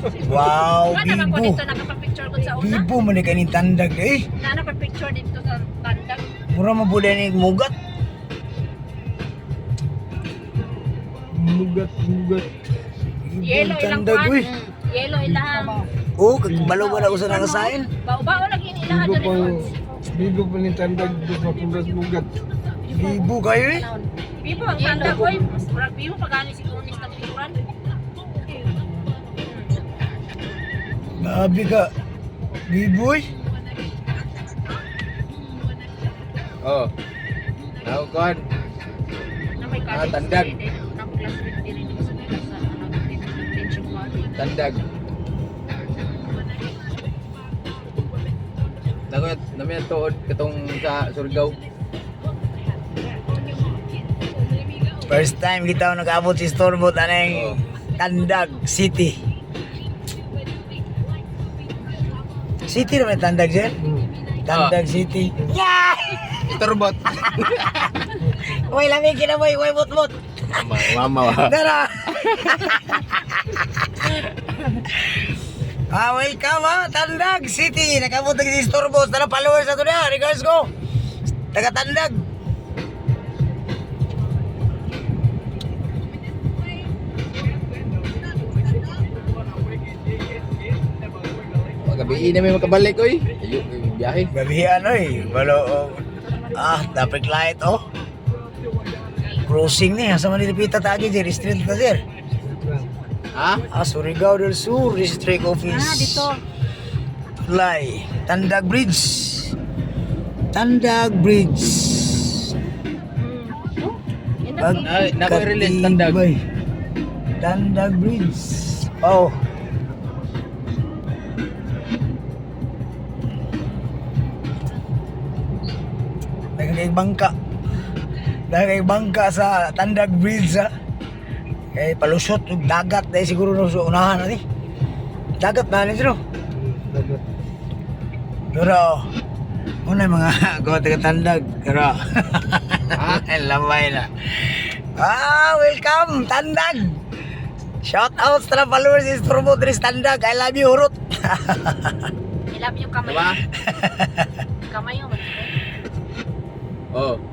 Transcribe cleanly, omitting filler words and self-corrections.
Wow, Wala naman ko bibo. dito nakapapicture ko sa una. Bibo man ni kaning tandag eh. Na napapicture dito sa tandag. Mura mo bude ni mugat. Mugat. Bibo Yellow ilang tandag kuan. uy. Yellow ilang. Oh, kagmalo ba ako sa nangasain? Bao-bao lagi yung ilahan Bigo dyan pa, ito. bigo pa ni tandag dos mapulas mugat. Bibo kayo eh. Bibo ang tandag ko. Mas murag bibo pagani siguro ni sa picturean. Grabe ka. Bibo eh. Oh. Now kon. Na may Ah, college tandag. din, na classmate din dito sa detention body. Tandag. Namay tuod katong sa Surigao. First time kita nag-abot si Storbot aneng Tandag City. City naman yung Tandag sir? Tandag City. Yeah! Iturbot. Uy, lamig kinamoy. Uy, mut-mut. Mama. Dara! Welcome Tandag City. Nakabot na si Storbot. Tala followers na to na. Regards ko. Taga Tandag. Gabi na may makabalik oy. Ayo biyahe. Gabihan oy. Walo. Traffic light oh. Crossing ni. Asa man nilipita tagi sir. Street na sir. Ha? Surigao del Sur District Office. Dito. Lai, Tandag Bridge. Tandag Bridge. Nako-release Tandag. Katibay. Tandag Bridge. Oh. Nagkay bangka sa Tandag Bridge ha. Kay palusot ug dagat dahil siguro no sa unahan na ni. Dagat na ni sino. Pero muna mga gawa taga Tandag. Pero lamay na. Welcome Tandag. Shout out sa followers is Turbo Dres Tandag. I love you Hurot. I love you kamay. Diba? Kamay yung Oh.